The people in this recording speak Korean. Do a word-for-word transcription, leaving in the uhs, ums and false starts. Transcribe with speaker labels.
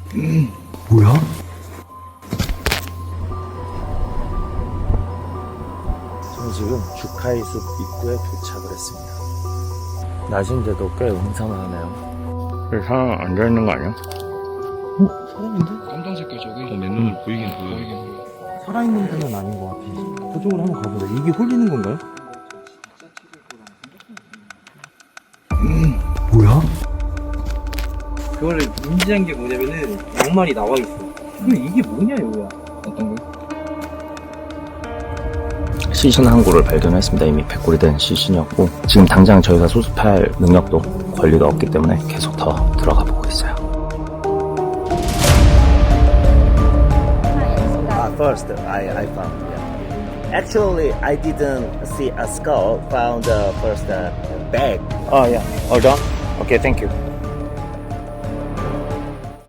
Speaker 1: 음, 뭐야?
Speaker 2: 저는 지금 주카이 숲 입구에 도착을 했습니다. 낮인데도 꽤 음산하네요. 사람 앉아있는 거 아니야?
Speaker 1: 어? 사람인데?
Speaker 3: 깜장 색깔 저게 내 눈을 보이긴 보여. 보이긴 보여.
Speaker 1: 살아있는 분은 아닌 것 같아. 그쪽으로 한번 가보자. 이게 홀리는 건가요? 음, 뭐야?
Speaker 4: 그거를 인지한 게 뭐냐면은 양말이 나와 있어. 근데 이게 뭐냐 이거야?
Speaker 3: 어떤 거?
Speaker 2: 시신 한 구를 발견했습니다. 이미 백골이 된 시신이었고 지금 당장 저희가 수습할 능력도 권리가 없기 때문에 계속 더 들어가 보고 있어요. Uh, first, I, I found. Yeah. Actually, I didn't see a skull. Found the first uh, bag. Oh yeah. Hold on. Okay, thank you.